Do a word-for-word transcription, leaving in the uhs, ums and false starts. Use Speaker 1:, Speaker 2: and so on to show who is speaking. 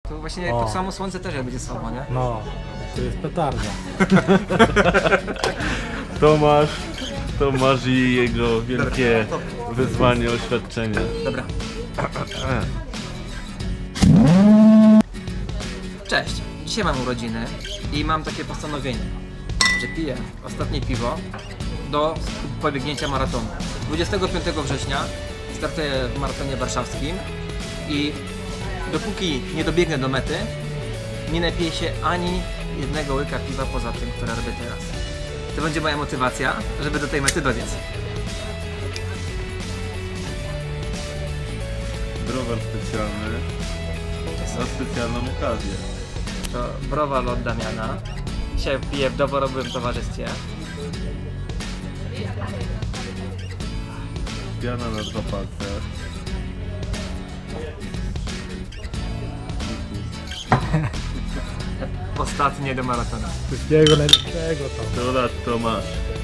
Speaker 1: To właśnie
Speaker 2: O.
Speaker 1: pod samo słońce też będzie słabo, nie?
Speaker 2: No, to jest petarda.
Speaker 3: Tomasz, Tomasz i jego wielkie wyzwanie, oświadczenie.
Speaker 1: Dobra. Cześć, dzisiaj mam urodziny i mam takie postanowienie, że piję ostatnie piwo do pobiegnięcia maratonu. dwudziestego piątego września startuję w maratonie warszawskim i dopóki nie dobiegnę do mety, nie napiję się ani jednego łyka piwa poza tym, które robię teraz. To będzie moja motywacja, żeby do tej mety dobiec.
Speaker 3: Browar specjalny na specjalną okazję.
Speaker 1: To browar od Damiana. Dzisiaj piję w doborowym towarzystwie.
Speaker 3: Piana na dwa palce.
Speaker 1: Ostatnie do maratonu.
Speaker 2: Wszystkiego najlepszego tam.
Speaker 3: sto lat Tomasz.